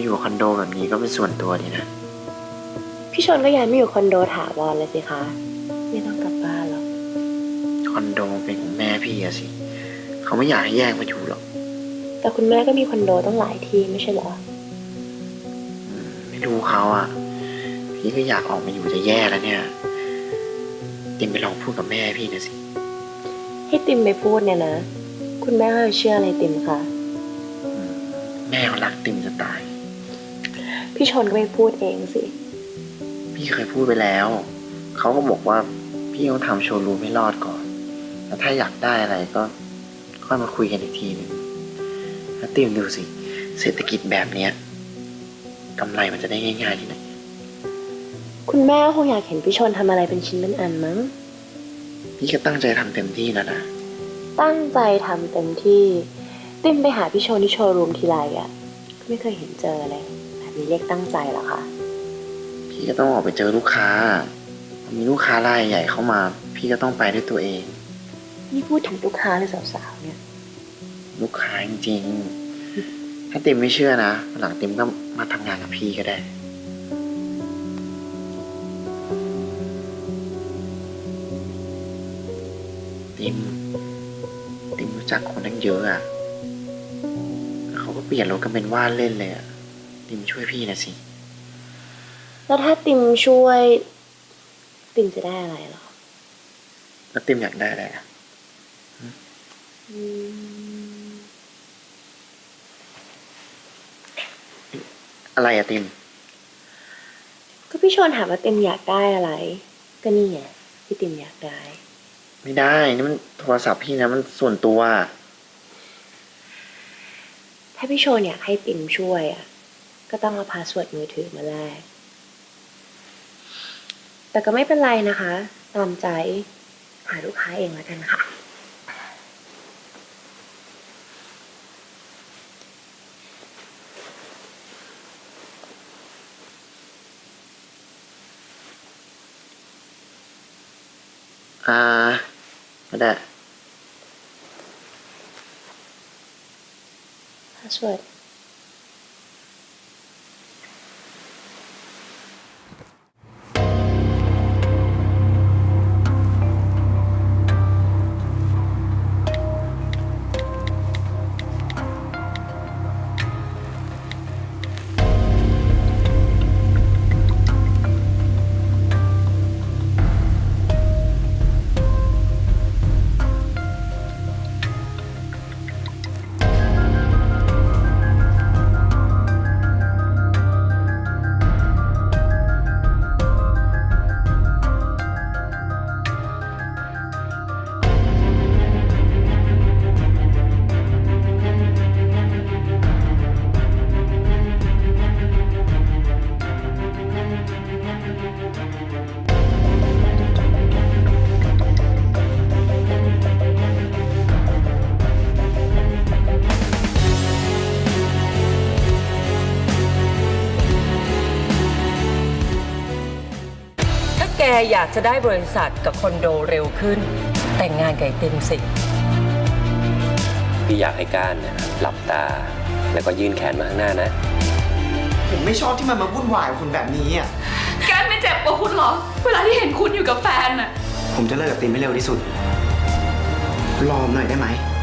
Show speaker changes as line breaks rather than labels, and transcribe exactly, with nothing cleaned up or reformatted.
อยู่คอนโดแบบนี้ก็เป็นส่วนตัวดีนะ
พี่ชนก็ย้ายมาอยู่คอนโดถาวรเลยสิคะไม่ต้องกลับบ้านหรอก
คอนโดเป็นของแม่พี่อะสิเขาไม่อยากให้แยกมาอยู่หรอก
แต่คุณแม่ก็มีคอนโดต้องหลายที่ไม่ใช่เหรอ
ไม่รู้เขาอะพี่ก็อยากออกมาอยู่จะแย่แล้วเนี่ยติมไปลองพูดกับแม่พี่นะสิ
ให้ติมไปพูดเนี่ยนะคุณแม่เขาเชื่ออะไรติมคะ
แม่เขารักติมจะตาย
พี่ชนก็ไปพูดเองสิ
พี่เคยพูดไปแล้วเขาก็บอกว่าพี่ต้องทำโชว์รูมให้รอดก่อนแล้วถ้าอยากได้อะไรก็ค่อยมาคุยกันอีกทีหนึ่งแล้วติมดูสิเศรษฐกิจแบบเนี้ยกำไรมันจะได้ง่ายๆที่ไหน
คุณแม่คงอยากเห็นพี่ชนทำอะไรเป็นชิ้นเป็นอันมั้ง
พี่ก็ตั้งใจทำเต็มที่แล้วนะ
ตั้งใจทำเต็มที่ติมไปหาพี่ชนที่โชว์รูมทีไรอ่ะก็ไม่เคยเห็นเจอเลยแบบนี้เรียกตั้งใจเหรอคะ
พี่ก็ต้องออกไปเจอลูกค้ามีลูกค้ารายใหญ่เข้ามาพี่ก็ต้องไปด้วยตัวเอง
นี่พูดถึงลูกค้าหรือสาวๆเนี่ย
ลูกค้าจริงๆถ้าติมไม่เชื่อนะหลังติมก็มาทำงานกับพี่ก็ได้ติมติมรู้จักคนตั้งเยอะอ่ะเขาก็เปลี่ยนรถกันเป็นว่าเล่นเลยอ่ะติมช่วยพี่นะสิ
แล้วถ้าติมช่วยติมจะได้อะไรหรอ
แล้วติมอยากได้อะไรอ่ะอะไรอะติม
ก็พี่ชนถามว่าติมอยากได้อะไรก็นี่ไงที่ติมอยากได้
ไม่ได้นี่มันโทรศัพท์พี่นะมันส่วนตัว
ถ้าพี่ชนอยากให้ติมช่วยอ่ะก็ต้องเอาพาสเวิร์ดมือถือมาแลกแต่ก็ไม่เป็นไรนะคะตามใจหาลูกค้าเองแล้วกันค่ะ
อ่าก็ได้
พาสเวิร์ด
แกอยากจะได้บริษัทกับคอนโดเร็วขึ้นแต่งงานกับไอ้ติมสิ
พี่อยากให้ก้านเนี่ยหลับตาแล้วก็ยื่นแขนมาข้างหน้านะ
ผมไม่ชอบที่มันมาวุ่นวายกับคุณแบบนี้อ่ะ
แกไม่เจ็บกว่าคุณหรอเวลาที่เห็นคุณอยู่กับแฟนอ่ะ
ผมจะเลิกกับติมให้เร็วที่สุดรอหน่อยได้ไหม